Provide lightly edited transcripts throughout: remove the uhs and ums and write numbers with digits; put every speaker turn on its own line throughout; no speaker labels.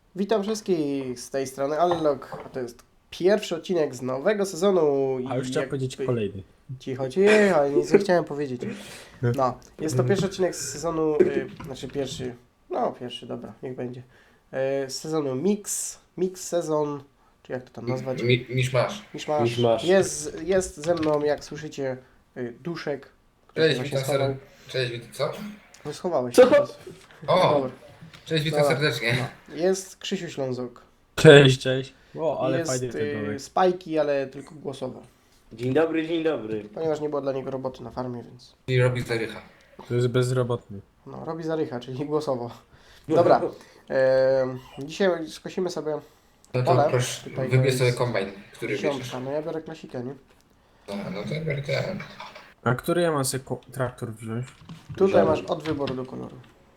Witam wszystkich z tej strony Allok, a to jest pierwszy odcinek z nowego sezonu.
A już chciałem powiedzieć kolejny.
Cicho, nic nie chciałem powiedzieć. No, jest to pierwszy odcinek z sezonu, pierwszy, dobra, niech będzie. Z sezonu Mix sezon, czy jak to tam nazwać?
Miszmasz.
Miszmasz. Jest ze mną, jak słyszycie, Duszek, który
Cześć,
właśnie
witam
schował.
Cześć, co?
No, schowałeś
Co?
się teraz.
O!
Dobra.
Cześć, witam
Dobra.
serdecznie.
Jest Krzysiu Ślązok.
Cześć, cześć. O, ale
Jest
fajny ten domek.
Spajki, ale tylko głosowo.
Dzień dobry, dzień dobry.
Ponieważ nie było dla niego roboty na farmie, więc
I robi zarycha.
To jest bezrobotny.
no, robi zarycha, czyli głosowo. Dobra, dzisiaj skosimy sobie
No
Pole.
to proszę,
Tutaj
wybierz
jest
sobie kombajn, który bierzesz.
dziesiątka. No ja biorę klasika, nie?
No to ja biorę ten.
A który ja mam sobie traktor wziąć?
Tutaj masz od wyboru do koloru.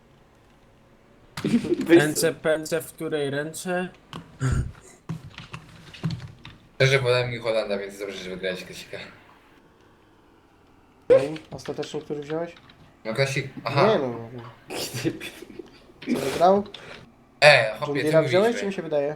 Ręce, pędzę w której ręce?
Szczerze wolałem mi Holanda, więc dobrze, że wygrałeś klasika.
No i ostatecznie który wziąłeś?
No klasik, aha.
Nie no, co wygrał? John
Hopie, ty
Deere'a wziąłeś, czy mi
mówiliśmy.
się wydaje?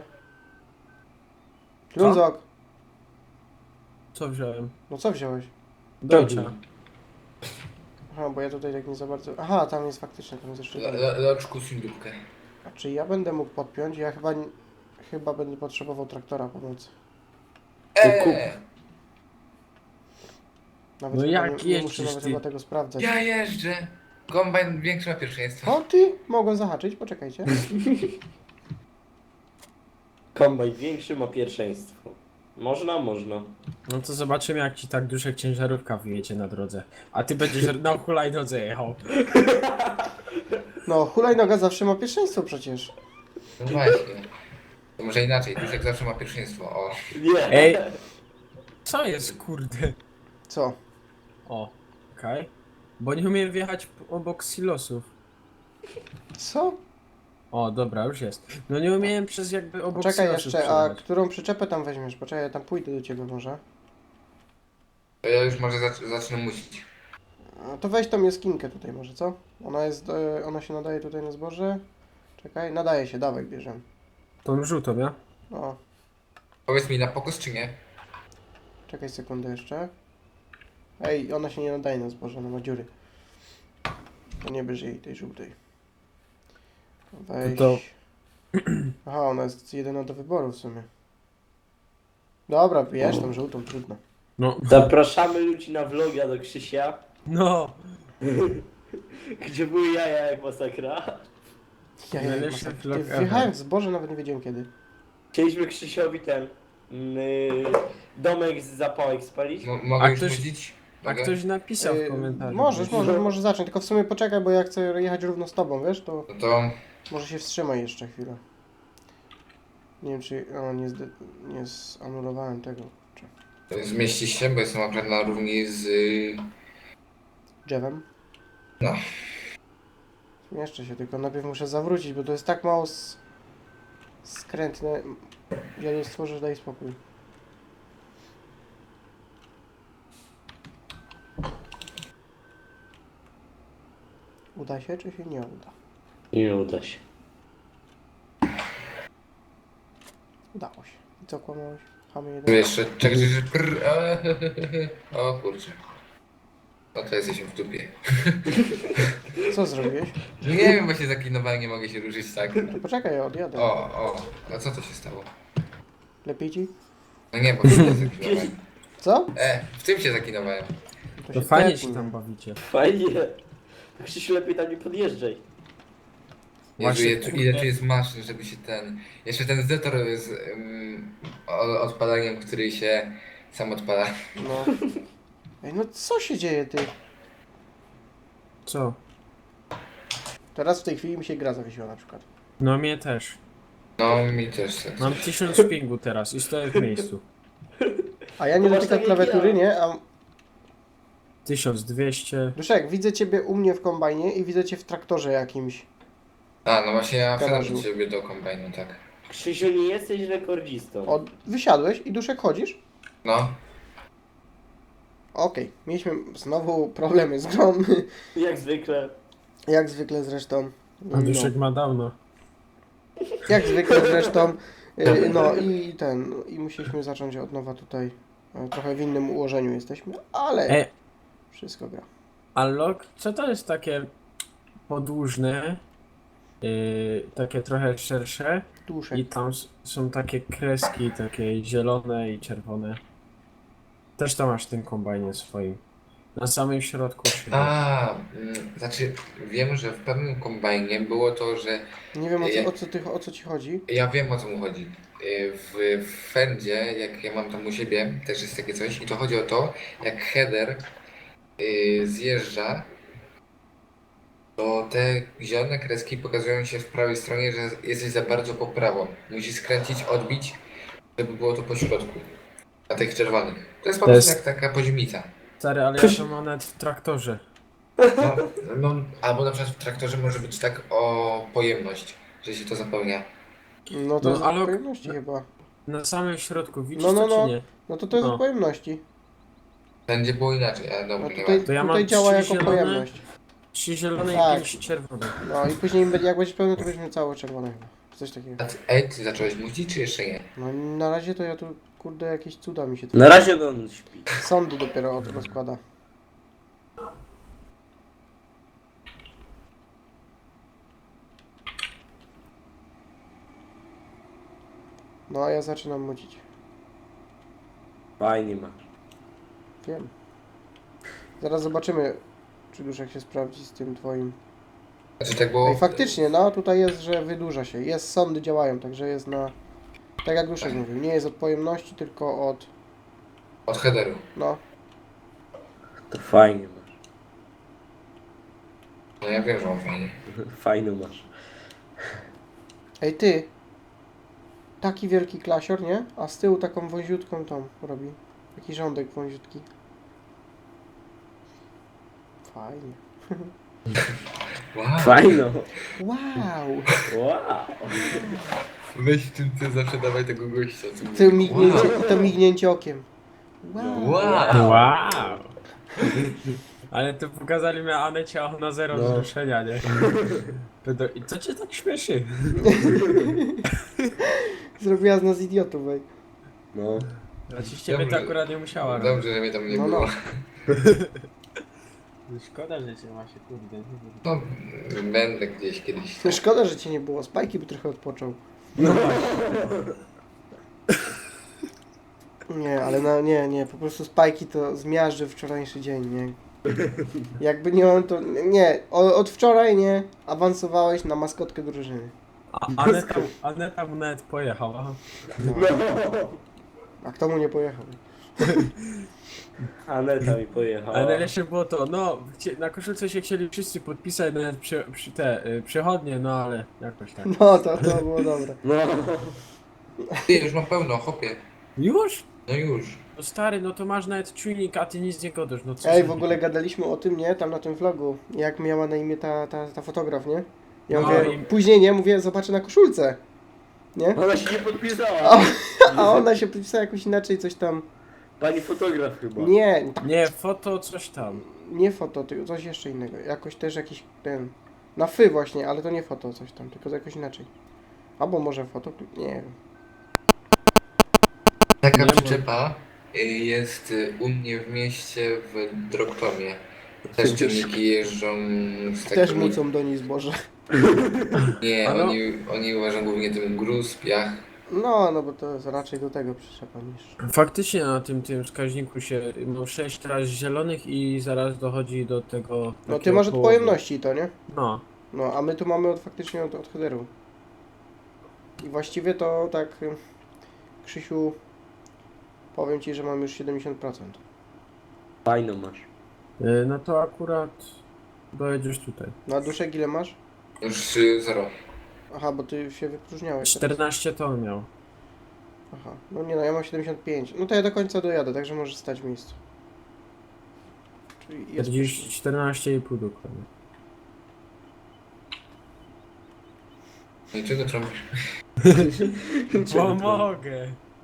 Ślązok,
Co wziąłem?
no co wziąłeś?
Deutscha.
Aha, bo ja tutaj tak nie za bardzo... Aha, tam jest faktycznie, tam jest jeszcze...
Loczku sindupkę.
A czy ja będę mógł podpiąć? Ja chyba będę potrzebował traktora pomocy. Nawet
No
chyba
jak
nie muszę
jeździsz
nawet
ty?
chyba tego sprawdzać.
Ja jeżdżę. Kombajn większy ma pierwszeństwo.
O ty! Mogłem zahaczyć, poczekajcie.
Kombajn większy ma pierwszeństwo. Można, można.
No to zobaczymy, jak ci tak duszek ciężarówka wyjedzie na drodze. A ty będziesz na hulajnodze jechał.
No, hulajnoga zawsze ma pierwszeństwo przecież.
No właśnie. To może inaczej, Duszek zawsze ma pierwszeństwo. O.
Nie.
Ej. Co jest, kurde?
Co?
O, okej. Bo nie umiem wjechać obok silosów.
Co?
O, dobra, już jest. No nie umiałem przez jakby obok
Poczekaj
silosów
jeszcze, a
przejechać.
którą przyczepę tam weźmiesz? Poczekaj, ja tam pójdę do ciebie może.
To ja już może zacznę musić.
A to weź tą jaskinkę tutaj może, co? Ona się nadaje tutaj na zboże. Czekaj, nadaje się, dawaj, bierzemy.
Tą żółtą, ja?
O,
Powiedz mi na pokos czy nie?
czekaj sekundę jeszcze. Ej, ona się nie nadaje na zboże, ona ma dziury. To nie bierz jej tej żółtej. Weź.
To-
Aha, ona jest jedyna do wyboru w sumie. Dobra, bierz tą żółtą, trudno.
No.
Zapraszamy ludzi na vloga do Krzysia,
No.
gdzie były jaja jak masakra.
Ja
Najlepszy
masakra.
vlog
Ty
ever.
wjechałem w zboże, nawet nie wiedziałem kiedy.
Chcieliśmy Krzysiowi ten domek z zapałek spalić.
Mogę
A
już
ktoś-
nudzić?
A
Mogę?
ktoś napisał w komentarzu.
Możesz zacząć, tylko w sumie poczekaj, bo ja chcę jechać równo z tobą, wiesz, to
No to
może się wstrzymaj jeszcze chwilę. Nie wiem, czy... O, nie zanulowałem tego. Kurczę.
zmieści się, bo jestem akurat na równi z...
Drzewem.
No.
Zmieszczę się, tylko najpierw muszę zawrócić, bo to jest tak mało skrętne. Ja nie stworzę, daj spokój. Uda się, czy się nie uda?
Nie uda się.
Udało się. I co kłamałeś? Chamy
Tu
jeden.
jeszcze... Czekaj, że... O kurczę. No to jesteśmy w dupie.
Co zrobiłeś?
Nie wiem, właśnie zaklinowałem, nie mogę się ruszyć tak.
To poczekaj, ja odjadę.
O, a co to się stało?
Lepiej ci?
No nie, bo w tym się zaklinowałem.
Co?
W tym się zaklinowałem.
To
się
fajnie
tepnij.
się tam bawicie.
Fajnie. Krzysiu, lepiej tam nie podjeżdżaj.
Jezu,
Właśnie,
ile tu jest maszyn, żeby się ten... Jeszcze ten zetor z odpalaniem, który się sam odpala.
No. Ej, no co się dzieje, ty?
Co?
Teraz w tej chwili mi się gra zawiesiła na przykład.
No mnie też.
No, mi też tak.
Mam 1000 pingu teraz i stoję w miejscu.
A ja nie
To masz
dotykam
tak jak
klawiatury,
ja.
nie? A
1200.
Duszek, widzę ciebie u mnie w kombajnie i widzę cię w traktorze jakimś.
A, no właśnie ja wsiadam
Garażu.
do ciebie do kombajnu, tak.
Krzysiu, nie jesteś rekordzistą.
Wysiadłeś i Duszek chodzisz?
No,
Okej, mieliśmy znowu problemy z grą,
Jak zwykle.
jak zwykle zresztą.
A duszek ma dawno.
Jak zwykle zresztą. No i i musieliśmy zacząć od nowa tutaj. Trochę w innym ułożeniu jesteśmy, ale wszystko gra.
A log, co to jest takie podłużne, takie trochę szersze
Duszek.
i tam są takie kreski, takie zielone i czerwone. Też to masz w tym kombajnie swoim. Na samym środku chyba.
Znaczy wiem, że w pewnym kombajnie było to, że
Nie wiem o co ci chodzi.
ja wiem o co mu chodzi. W Fendzie, jak ja mam tam u siebie, też jest takie coś i to chodzi o to, jak header zjeżdża, to te zielone kreski pokazują się w prawej stronie, że jesteś za bardzo po prawo. Musisz skręcić, odbić, żeby było to po środku. Na tych czerwonych. To jest po
To
prostu
jest-
jak taka poziomnica.
Stary, ale ja to mam nawet w traktorze.
No, no, albo na przykład w traktorze może być tak o pojemność, że się to zapełnia.
No to
No,
jest
ale-
od pojemności chyba.
Na samym środku, widzisz
No, no,
to
no.
czy nie?
No to jest
No.
od pojemności.
Będzie było inaczej, ale
No
dobra, nie
tutaj,
ma.
To ja mam
tutaj działa
3
jako
zielone.
pojemność.
3 zielone
Tak.
i 5 czerwonych.
No i później jak będziesz pełny, to będziemy całe czerwone chyba. Coś takiego.
Ty zacząłeś mówić, czy jeszcze nie?
No na razie to ja tu, kurde, jakieś cuda mi się tu...
Na razie on śpi.
Sądy dopiero rozkłada. No a ja zaczynam mucić.
Fajnie masz.
Wiem. Zaraz zobaczymy, czy duszek się sprawdzi z tym twoim.
Znaczy tak było...
Ej, faktycznie, no tutaj jest, że wydłuża się. Jest, sądy działają, także jest na... Tak jak duszek mówił, nie jest od pojemności, tylko od...
Od headeru.
No,
To fajnie masz.
No ja wiem, że on fajnie.
Fajno masz.
ej ty! Taki wielki klasior, nie? A z tyłu taką wąziutką tą robi. Taki rządek wąziutki. Fajnie.
Wow.
Fajno.
Wow!
Wow.
Weź tym ty zawsze dawaj tego gościa. Co
To mignięcie, to mignięcie okiem. Wow!
Wow.
Wow! Ale to pokazali mi Anecie, a ona zero
No.
wzruszenia, nie? I co cię tak śmieszy?
Zrobiła z nas idiotów, ej.
No.
Znaczy ciebie to akurat nie musiała robić.
Dobrze, że mnie tam nie
No,
było.
Szkoda, że cię ma się kurde.
No, będę gdzieś kiedyś.
Szkoda, że cię nie było. Spajki by trochę odpoczął.
No
Nie, ale no nie, po prostu Spajki to zmiażdży wczorajszy dzień, nie? Jakby nie on, to nie, od wczoraj nie awansowałeś na maskotkę drużyny.
Aneta mu nawet pojechała.
No. A kto mu nie pojechał?
Aneta mi pojechała.
Ale najlepsze było to, no, na koszulce się chcieli wszyscy podpisać, nawet przechodnie, no ale jakoś tak.
No to było dobre.
No.
Ty, już mam pełno, hopie.
Już?
No już.
No stary, no to masz nawet czujnik, a ty nic nie godasz, no co
Ej,
za-
w ogóle gadaliśmy o tym, nie? Tam na tym vlogu, jak miała na imię ta fotograf, nie? Ja
No
mówię,
i-
później nie, mówię, zobaczę na koszulce. Nie?
Ona się nie podpisała.
A ona się podpisała jakoś inaczej, coś tam.
Pani fotograf chyba.
Nie,
Nie, foto coś tam.
nie foto, tylko coś jeszcze innego. Jakoś też jakiś ten. Na fy właśnie, ale to nie foto, coś tam, tylko jakoś inaczej. Albo może foto, nie wiem.
Taka
Nie
przyczepa jest u mnie w mieście w Drogtomie. Też ciągniki jeżdżą z
Też
takimi...
mucą do niej zboże.
Nie,
A no.
oni uważają głównie tym gruz, piach.
No bo to jest raczej do tego przyczepa niż.
Faktycznie na tym wskaźniku się, no 6 teraz zielonych i zaraz dochodzi do tego...
No ty
takiego
masz od
połowu.
pojemności to, nie?
No.
No, a my tu mamy faktycznie od headeru. I właściwie to tak, Krzysiu, powiem ci, że mam już 70%.
Fajno masz.
No to akurat dojedziesz tutaj.
Na duszek ile masz?
Już 0.
Aha, bo ty się wypróżniałeś. teraz.
14 ton miał.
Aha, no nie no, ja mam 75. No to ja do końca dojadę, także możesz stać w miejscu. Czyli jest...
14,5 dokładnie.
No i czego trąbisz?
Pomogę!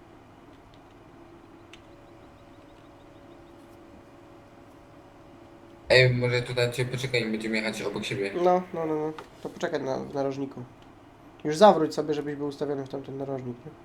Ej, może tu na ciebie poczekaj, będziemy jechać obok siebie.
No. To poczekaj w narożniku. Już zawróć sobie, żebyś był ustawiony w tamten narożnik, nie?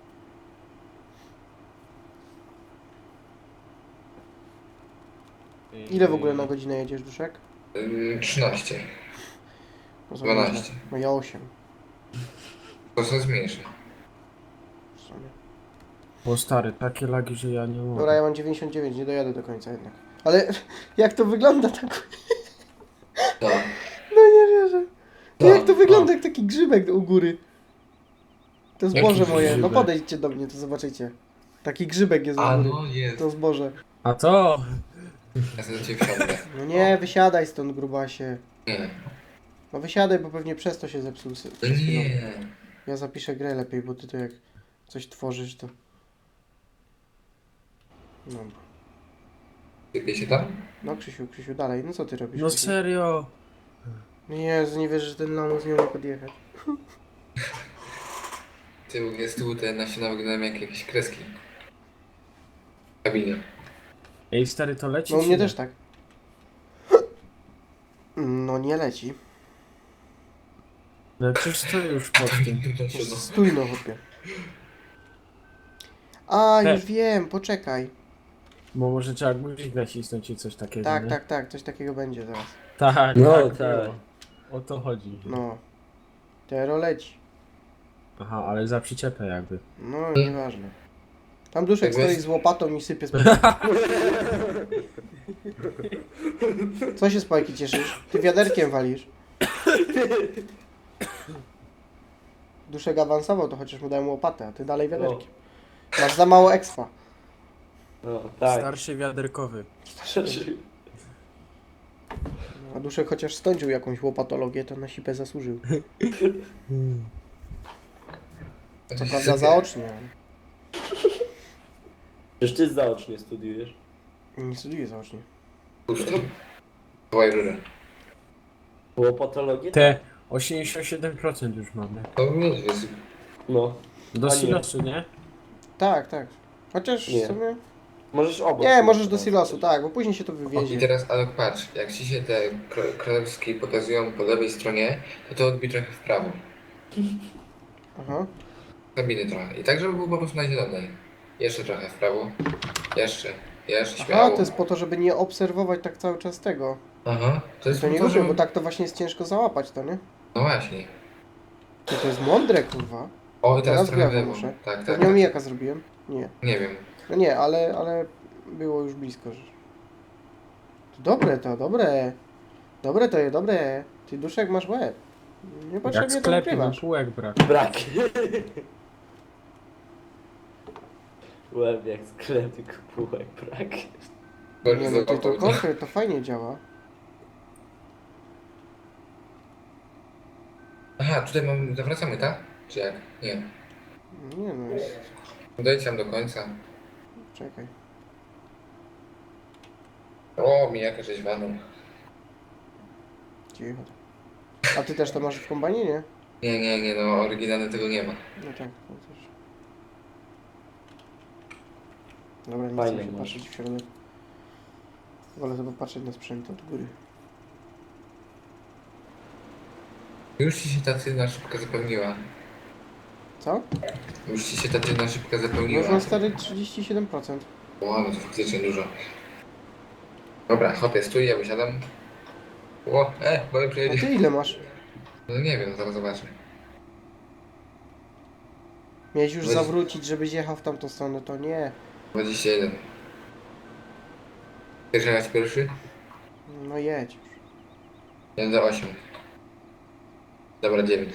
Ile w ogóle na godzinę jedziesz, Duszek?
13.
No,
12.
No ja 8.
To się zmniejszy.
w sumie.
Bo stary, takie lagi, że ja nie mogę.
Dobra, ja mam 99, nie dojadę do końca jednak. Ale jak to wygląda tak?
No.
No nie wierzę.
No,
Jak to wygląda
no.
jak taki grzybek u góry? To
Jaki
zboże moje. No
grzybek?
podejdźcie do mnie, to zobaczycie. Taki grzybek jest u
A
góry.
no jest.
To zboże.
A to...
Ja sobie do ciebie wsiądę.
No nie, wysiadaj stąd, grubasie.
Nie.
No wysiadaj, bo pewnie przez to się zepsuł.
No
przed chwilą.
nie.
Ja zapiszę grę lepiej, bo ty to jak coś tworzysz, to... No,
Sypie się tam?
no Krzysiu, dalej. No co ty robisz?
No
Krzysiu?
serio.
Jezu, nie wierzę, że ten lamus nie umie podjechać.
Z tyłu te nasiona wyglądają jak jakieś kreski. W kabinie.
Ej, stary, to leci
No u
czy
mnie
nie?
też tak. No nie leci.
No przecież to już pod tym.
Nasiona.
Stój no, chłopie. A,
He.
już wiem, poczekaj.
Bo może trzeba guzik nacisnąć i coś takiego,
Tak,
nie?
tak, coś takiego będzie zaraz.
Tak,
No,
tak.
tak.
było. O to chodzi.
No. Tero leci.
Aha, ale za przyczepę jakby.
No, nieważne. Tam Duszek
Jakbyś-
stoi z łopatą i sypie z Co się Spajki cieszysz? Ty wiaderkiem walisz. Duszek awansował, to chociaż mu dałem łopatę, a ty dalej wiaderkiem. Masz za mało expa.
No, tak.
Starszy wiaderkowy.
A Duszek chociaż stądził jakąś łopatologię, to na sipę zasłużył. Co prawda zaocznie.
Przecież ty zaocznie studiujesz.
Nie studiuję zaocznie.
Pusto. Wołaj rurę.
Było patologię?
Te 87% już mamy.
To nie jest.
No.
Do
A nie.
silosu, nie?
Tak. Chociaż
Nie.
w sumie...
Możesz obok.
Nie, możesz do silosu, tak, bo później się to
O, i
wywiezie.
teraz, ale patrz, jak ci się te królewskie pokazują po lewej stronie, to odbij trochę w prawo.
Aha.
Kabiny trochę. I tak, żeby było po prostu na zielonej. Jeszcze trochę w prawo. Jeszcze
Aha,
śmiało.
to jest po to, żeby nie obserwować tak cały czas tego.
Aha, to jest
To
po
nie
to,
lubię,
żeby...
bo tak to właśnie jest ciężko załapać to, nie?
No właśnie.
To jest mądre, kurwa.
O, i teraz
Teraz
trochę w
w lewo
lewo.
muszę.
Tak, tak,
Pewnie
tak.
omijaka zrobiłem? Nie.
Nie wiem.
No nie, ale było już blisko, że... To dobre to, dobre. Dobre to jest, dobre. Ty Duszek masz łeb.
Jak
Niepotrzebnie to
sklepie, no
ukrywasz.
półek brak.
Brak. Łeb jak sklep, tylko półek brak.
Nie no, ty to konkret, to fajnie działa.
Aha, tutaj mam... Zawracamy, tak? Czy jak? Nie.
Nie no, jest...
Dojdź tam do końca.
Czekaj.
O, mijaka rzeźwaną.
Cicho. A ty też to masz w kombajnie, nie?
Nie, no oryginalnie tego nie ma.
No tak, to też. Dobra, nie
Fajne
chcę się
masz.
patrzeć w środek. Wolę sobie patrzeć na sprzęt od góry.
Już ci się ta tylna szybka zapełniła.
Co?
Już ci się ta tylna szybka zapełniła.
Można stary 37%.
O, no to faktycznie dużo. Dobra, hopie, stój, ja wysiadam. O, bo
A
przejedzie.
ty ile masz?
No nie wiem, zaraz zobaczę.
Miałeś już
Weź-
zawrócić, żebyś jechał w tamtą stronę, to nie.
21. Chcesz jechać pierwszy?
No jedź już.
Jadę 8. Dobra, 9.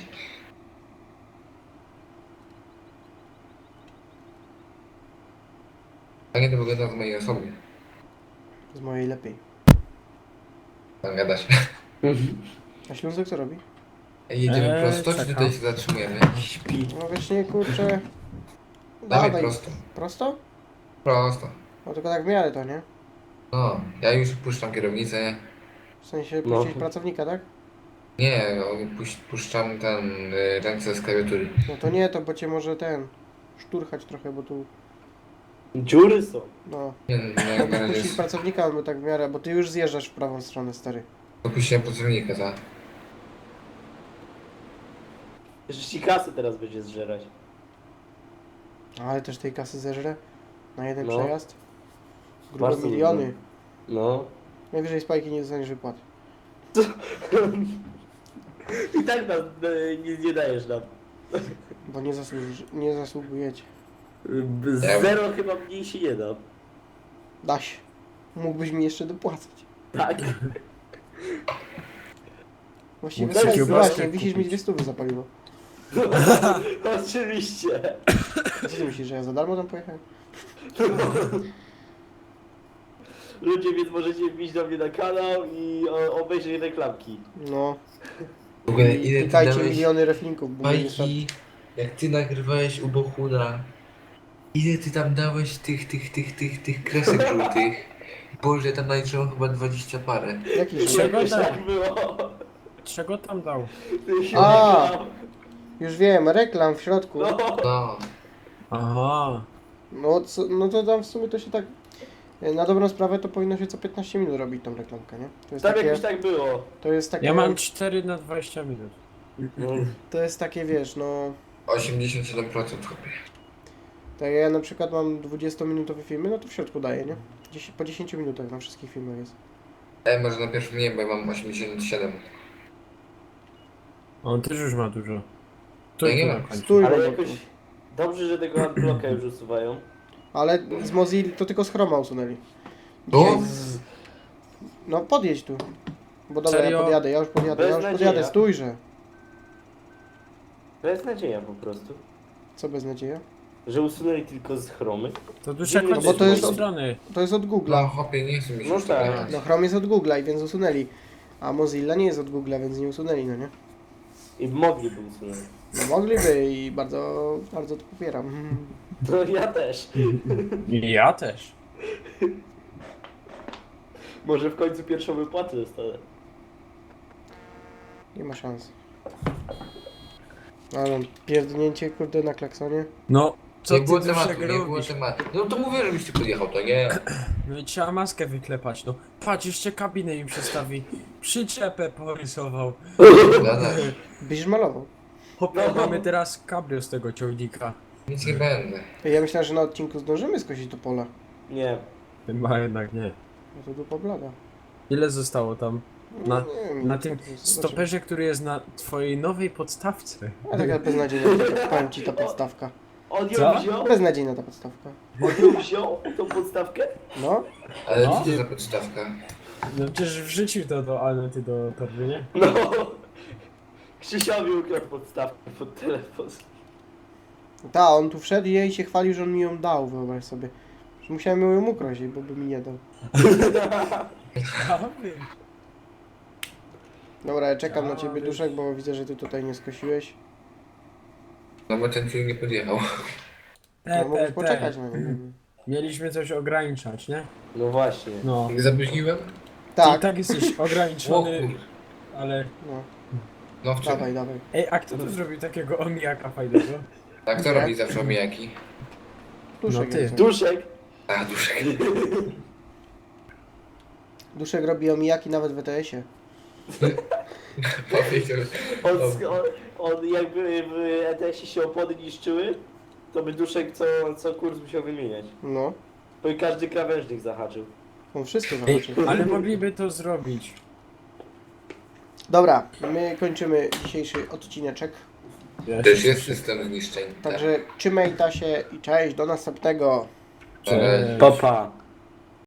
A nie to wygląda z mojej osoby.
Z mojej lepiej.
Tam gadasz.
A Ślązek co robi?
Jedziemy prosto, czy
czekam.
tutaj się zatrzymujemy?
Śpi.
No właśnie, kurczę.
Dawaj
Dawaj.
prosto.
Prosto?
Prosto.
No tylko tak w miarę to, nie?
No, ja już puszczam kierownicę.
W sensie
No.
puścić pracownika, tak?
Nie, puszczam ręce z klawiatury.
No to nie, to bo cię może ten... szturchać trochę, bo tu...
Dziury są.
No.
Nie, no, na razie
Puścić
jest...
pracownika, albo tak w miarę, bo ty już zjeżdżasz w prawą stronę, stary.
Opuściłem pracownika, tak?
Jeszcze ci kasy teraz będzie zżerać.
Ale też tej kasy zeżrę na jeden
No.
przejazd. Grube
Bardzo
miliony.
No.
Najwyżej spajki nie dostaniesz wypłat.
I tak nam nie dajesz nam.
Bo nie zasługujecie.
Zero chyba mniej się nie da.
Da się. Mógłbyś mi jeszcze dopłacać.
Tak.
Właściwie
Mógł sobie
tak,
kiełbaskę
właśnie, wisisz mi
kupić.
200 za paliwo.
Oczywiście.
Co ty myślisz, że ja za darmo tam pojechałem?
Ludzie, więc możecie wbić do mnie na kanał i obejrzeć reklamki.
No.
W ogóle
I
ile ty
klikajcie
dałeś
miliony reflinków, bo mnie nie stać.
bajki, jak ty nagrywałeś u Bohuna. Ile ty tam dałeś tych kresek żółtych? Boże, tam naliczyłem chyba 20 parę.
Jaki
Czego
żółty?
Jakoś
tak?
tak było.
Czego tam dał?
A! Już wiem, reklam w środku.
No.
No,
Aha.
No to tam w sumie to się tak... Na dobrą sprawę to powinno się co 15 minut robić tą reklamkę, nie? To jest
Tam
takie...
jakoś tak było.
To jest takie...
Ja mam 4 na 20 minut.
To jest takie, wiesz, no...
87% chłopie.
Tak jak ja na przykład mam 20-minutowe filmy, no to w środku daję, nie? Po 10 minutach na wszystkich filmach jest.
Może na pierwszym nie, bo ja mam 87.
On też już ma dużo. Tu
Ja nie
tu
mam.
na końcu.
Stój,
Ale
Robertu.
jakoś... Dobrze, że tego adblocka już usuwają.
Ale z Mozilla to tylko z Chroma usunęli.
Bo?
No podjedź tu. Bo dobra,
Serio?
ja już podjadę,
Beznadzieja.
stójże.
To jest nadzieja po prostu.
Co beznadzieja?
Że usunęli tylko z chromy.
To dużo
No
kończy
bo
z
to
tej
jest od-
strony.
To jest od Google'a.
No chłopie, nie chcę mi się
No
już
tak.
tak.
No Chrome jest od Google'a i więc usunęli. A Mozilla nie jest od Google'a, więc nie usunęli, no nie?
I mogliby usunąć.
No mogliby i bardzo, bardzo to popieram.
No ja też.
I ja też.
Może w końcu pierwszą wypłatę dostanę.
Nie ma szans. Ale pierdnięcie kurde na klaksonie.
No, co
Nie
ty
było
Duszek
tematu, nie było
robisz?
tematu. No to mówię, żebyś ty podjechał, to nie.
No i trzeba maskę wyklepać, no. Patrz, jeszcze kabinę im przestawi. Przyczepę porysował.
Gadasz.
Byś malował.
Hopie,
No.
mamy teraz kabrio z tego ciągnika.
Nic nie będę.
Ja myślałem, że na odcinku zdążymy skosić to pola.
Nie.
Chyba jednak nie.
No to dupa blada.
Ile zostało tam? Na-
Nie wiem,
Na
to
tym
zobaczymy.
stoperze, który jest na twojej nowej podstawce.
A taka beznadziejna, powiem ci ta podstawka.
On ją
Co?
wziął?
Beznadziejna ta podstawka.
On ją wziął? Tą podstawkę?
No,
Ale
No.
co to za podstawka?
No przecież wrzucił to do Anety do torby, nie?
No. Krzysiowi ukradł podstawkę pod telefon.
ta, on tu wszedł i jej się chwalił, że on mi ją dał, wyobraź sobie. Że musiałem ją ukraść, bo by mi nie dał.
Ja wiem.
Dobra, ja czekam na
Ja
ciebie,
wiem.
Duszek, bo widzę, że ty tutaj nie skosiłeś.
No bo ten film nie podjechał.
No, mógłbyś poczekać na niego.
Mieliśmy coś ograniczać, nie?
No właśnie.
No.
Nie zapóźniłem?
I
Tak,
tak jesteś
O
ograniczony,
kur...
ale...
no,
No w czym?
dawaj, dawaj.
Ej, a kto tu zrobił takiego omijaka fajnego?
A kto
Nie.
robi zawsze omijaki?
Duszek,
No ty.
jest.
Duszek.
A, duszek.
Duszek robi omijaki nawet w ETS-ie.
Powiedział.
On jakby w ETS-ie się opony niszczyły, to by Duszek co kurs musiał wymieniać.
No,
Bo i każdy krawężnik zahaczył.
on wszystko
Ej,
zobaczy.
ale mogliby to zrobić.
Dobra, my kończymy dzisiejszy odcineczek.
Ja
Też
się-
jest system zniszczeń.
Także trzymaj ta się i cześć, do następnego.
Ale...
Cześć.
Papa.